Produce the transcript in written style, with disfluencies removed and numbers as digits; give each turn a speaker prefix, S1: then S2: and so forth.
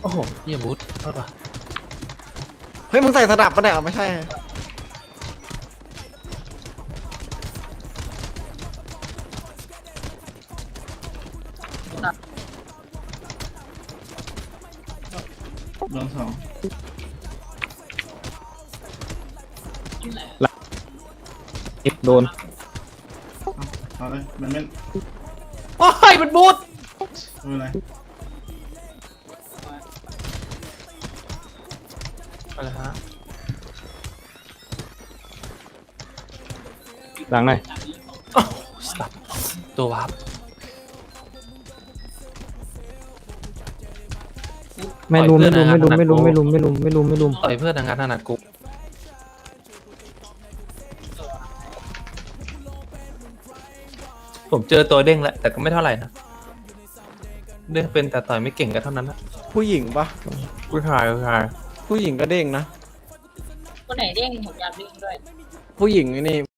S1: อ้โหเฮียบูทโทษว่ะ
S2: เฮ้ยมึงใส่สนับปะเนี่ยไม่ใช่
S3: โดนสอง
S4: โดน
S3: เอาเลยมันไม่
S1: โอ้ยมันบูท
S3: ไม่เป็นไร
S1: อะไรฮะ
S4: หลังหน่อย
S1: โอ้สับตัววับ
S4: ไม่ลุมไม่ลุมไม่ลุมไม่ลุมไม่ลุมไม่ลุมไม่ลุมไม่ลุม
S1: ต่อยเพื่อนทางการถนัดกูผมเจอตัวเด้งแล้วแต่ก็ไม่เท่าไหร่นะเด้งเป็นแต่ต่อยไม่เก่งก็เท่านั้นนะ
S2: ผู้หญิงปะ
S1: ผู้ชาย
S2: ผู้หญิงก็เด้งนะ
S5: คนไหนเด้งผมอยากเด้งด้วย
S2: ผู้หญิงนี่